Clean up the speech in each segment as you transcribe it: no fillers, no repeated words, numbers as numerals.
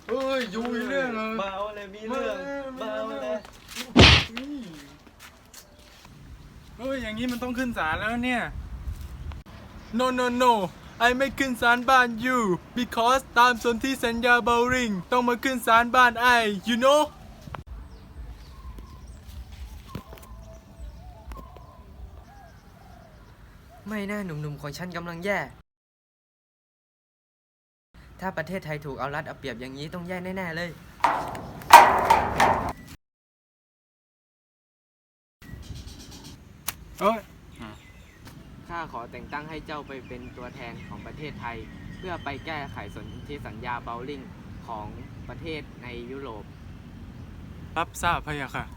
เฮ้ยยูมีเรื่องเหรอเบาเลยมีเรื่องเบาเลยเฮ้ยอย่างนี้มันต้องขึ้นศาลแล้วเนี่ย no no no ไอไม่ขึ้นศาลบ้าน you because ตามสนธิสัญญา Bowring ต้องมาขึ้นศาลบ้านไอ you know ไม่น่าหนุ่มๆของฉันกำลังแย่ ถ้าประเทศไทยถูกเอารัดเอาเปรียบอย่างนี้ต้องแย่แน่ๆเลยเอ้ยข้าขอแต่งตั้งให้เจ้าไปเป็นตัวแทนของประเทศไทย เพื่อไปแก้ไขสนธิสัญญาเบลลิงของประเทศในยุโรปรับทราบพะยะค่ะ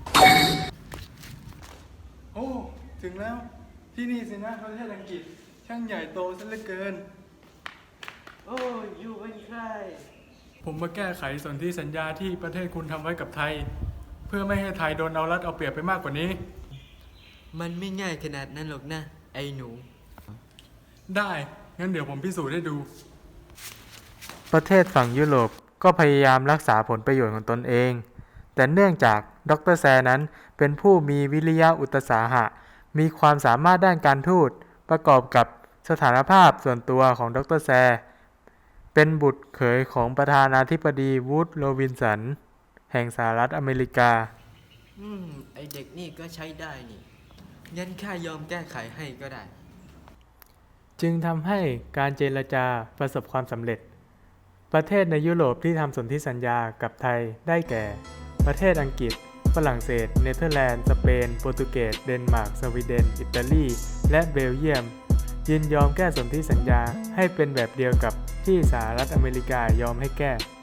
โอ้ ถึงแล้วที่นี่สินะประเทศอังกฤษ ช่างใหญ่โตซะเหลือเกินโอ้ยอยู่เป็นใครผมมาแก้ไขสนธิสัญญาที่ประเทศคุณทำไว้กับไทย เพื่อไม่ให้ไทยโดนเอารัดเอาเปรียบไปมากกว่านี้มันไม่ง่ายขนาดนั้นหรอกนะ ไอ้หนูได้ งั้นเดี๋ยวผมพิสูจน์ให้ดู ประเทศฝั่งยุโรปก็พยายามรักษาผลประโยชน์ของตนเอง แต่เนื่องจากดร.แซนั้นเป็นผู้มีวิริยะอุตสาหะ มีความสามารถด้านการทูต ประกอบกับสถานภาพส่วนตัวของดร.แซเป็นบุตรเขยของประธานาธิบดีวูดโรบินสัน แห่งสหรัฐอเมริกาไอเด็กนี่ก็ใช้ได้นี่ งั้นข้ายอมแก้ไขให้ก็ได้จึงทำให้การเจรจาประสบความสำเร็จ ประเทศในยุโรปที่ทำสนธิสัญญากับไทยได้แก่ ประเทศอังกฤษ ฝรั่งเศส เนเธอร์แลนด์ สเปน โปรตุเกส เดนมาร์ก สวีเดน อิตาลี และเบลเยียม ยินยอมแก้สนธิสัญญาให้เป็นแบบเดียวกับที่สหรัฐอเมริกายอมให้แก้